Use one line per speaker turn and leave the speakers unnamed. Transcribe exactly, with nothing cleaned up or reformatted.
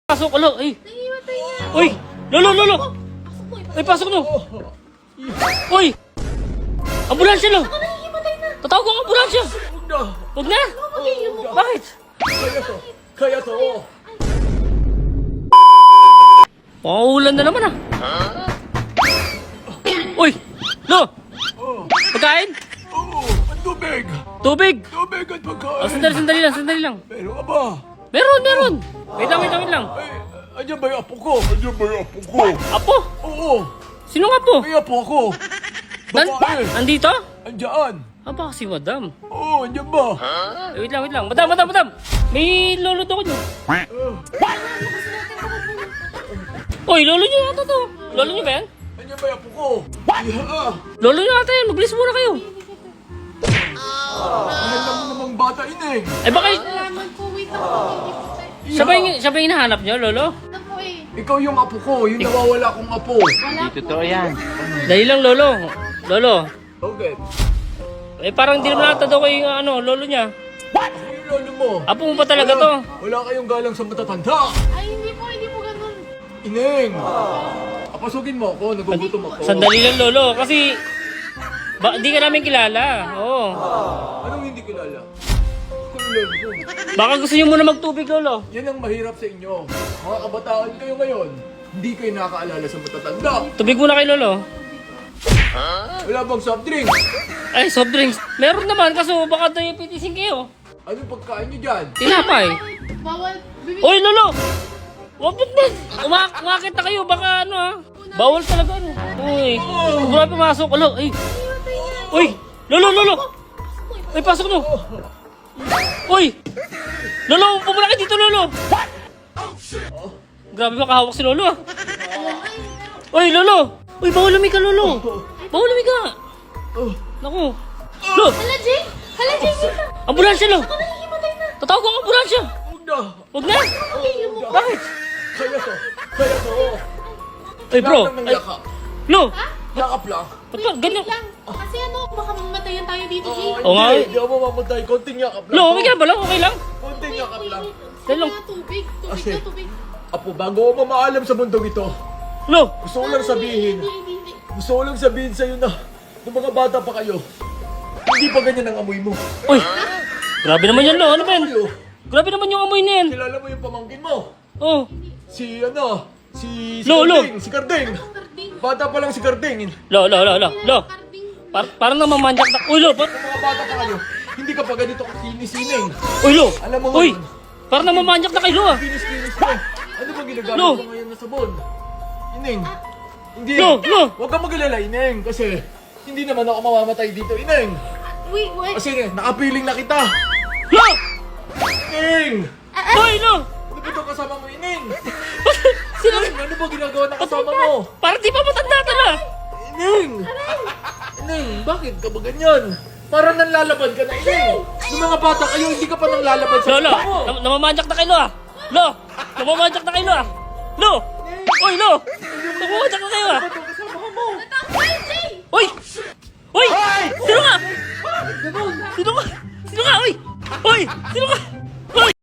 Pasok, alo, ay.
Nahimatay niya.
Uy, lolo, lolo.
Pasok mo,
Ay, pasok no. Uy. Ambulansya, lo.
Ako nahihimatay na.
Tatawag ko ang ambulansya.
Huwag na!
Huwag na.
Pag-iinom mo.
Bakit?
Kaya to! Kaya to!
Mauulan na naman ah. Uy, lo. Pagkain?
Oo! Ang tubig!
Tubig.
Tubig at pagkain!
Oh, sandali, sandali lang, sandali lang.
Meron ka ba?
Meron, meron. Wait lang, wait lang, wait lang.
Ay, andyan ba yung apo ko? Andyan ba yung apo ko?
Apo?
Oo!
Sino nga po?
May apo ko!
Nan
Babae!
andito?
Andyan!
Ah, baka si madam.
Oo, andyan ba?
Eh, wait lang, wait lang. Madam, madam, madam. May lolo to ko nyo. Uy, lolo nyo ata to. Lolo nyo ba yan?
Andyan ba yung apo ko? Yeah!
Lolo nyo ata yan. Mag-list muna kayo.
Mahal na mo namang bata ineng!
Eh, baka...
Salamat po. Wait ako. Nahihimatay.
Siya ba yung, siya ba yung hinahanap nyo, lolo?
Ano po eh.
Ikaw yung apo ko, yung nawawala kong apo.
Wala po.
Totoo yan.
Dahil lang, lolo. Lolo.
Okay.
Eh, parang di naman ata daw kayo yung ano, lolo niya.
Ano yung lolo mo?
Apo mo pa talaga to.
Wala kayong galang sa matatanda!
Ay, hindi po. Hindi po ganun.
Ineng! Apasugin mo ako, nagugutom ako.
Sandali lang, lolo. Kasi... Ba, di ka namin kilala. Oo.
Anong hindi kilala? Ako yung lolo ko.
Baka gusto nyo muna magtubig, lolo.
Yan ang mahirap sa inyo. Mga kabataan kayo ngayon, hindi kayo nakakaalala sa matatanda.
Tubig muna kay lolo.
Wala bang soft drink?
Ay, soft drinks. Meron naman, kaso baka diabetisin kayo.
Anong pagkain nyo dyan?
Tinapay.
Bawal. Bibig.
Uy, lolo! Huwag mo na! Umak umakit na kayo, baka ano ha? Bawal talaga ano. Uy, grabe pumasok. Alo, ay.
Nahihimatay niya.
Uy, lolo, lolo!
Pasok mo.
Ay, pasok no! Uy! Lolo, pumunta kayo dito, lolo! Grabe makahawak si lolo ah. Uy, lolo! Uy, bawal lumika, lolo! Bawal lumika!
Oh,
Naku! Lo!
Hala, Jay. Hala, Jay. Wait lang.
Ambulansya, lo!
Ako nahihimatay na.
Tatawag ko ang ambulansya!
huwag na!
Huwag na!
Pag-iinom mo.
Bakit?
Kaya to! Kaya to!
Ay, bro!
Lahat ng
Ay,
yakap.
lo!
Yakap lang.
Ba't ba? Ganyan?
Lang. Kasi ano, baka mamatayan tayo dito, Jay.
Oo,
Oo nga eh.
hindi. Hindi ako mamamatay. Konting yakap lang.
Lo, okay ka ba lang? Okay lang?
Konting yakap lang.
Dahil
lang.
Tubig. Tubig
Kasi-
na, tubig.
Apo, bago ako mamaalam sa mundong ito,
Lo!
gusto ko lang sabihin,
Hindi, hindi, hindi.
gusto ko lang sabihin sa'yo na, nung mga bata pa kayo, hindi pa ganyan ang amoy mo.
Uy! Grabe naman yan, lo. Ano ba yan?
Kayo,
Grabe naman yung amoy na yan.
kilala mo yung pamangkin mo?
Oh.
Si ano? Si, si
Lo, lo.
Karding. Si Karding.
Karding.
Bata pa lang si Karding.
Lo, lo, lo, lo. Lo.
Karding.
Par parang namamanyak na. Uy, lo. Par
Kung mga bata pa kayo, hindi ka pa ganito kakinis-sining.
Uy, lo.
Alam mo
Uy.
ngayon.
Parang namamanyak na kay lo ah.
Kinis-kinis mo. Ano ba ginagamit
Lo.
mo ngayon na sabon? Ineng. Hindi.
Lo, lo.
Huwag kang mag-alala, Ineng. Kasi hindi naman ako mamamatay dito, Ineng.
Wait, wait.
Kasi nakapiling na kita.
Lo!
Ineng!
Uy, lo.
Ano ba ito kasama mo, Ineng?
Sino?
Ineng, ano ba ginagawa na kasama mo?
Parang di pa matanda ka na.
Ineng! Ineng, bakit ka ba ganyan? Parang nanlalaban ka na, Ineng. Nung mga bata kayo, hindi ka pa nanlalaban sa
Lo, lo.
mukha mo.
Nam namamanyak na kay lo ah. Lo. Namamanyak na kay lo ah. Lo. Uy, lo. Namamanyak na kayo ah.
Ano ba kasama mo?
Ay, Jay!
Uy! Uy!
Hoy!
Sino nga?
Bakit ganun?
Sino nga? Sino nga? Uy! Uy! Sino nga?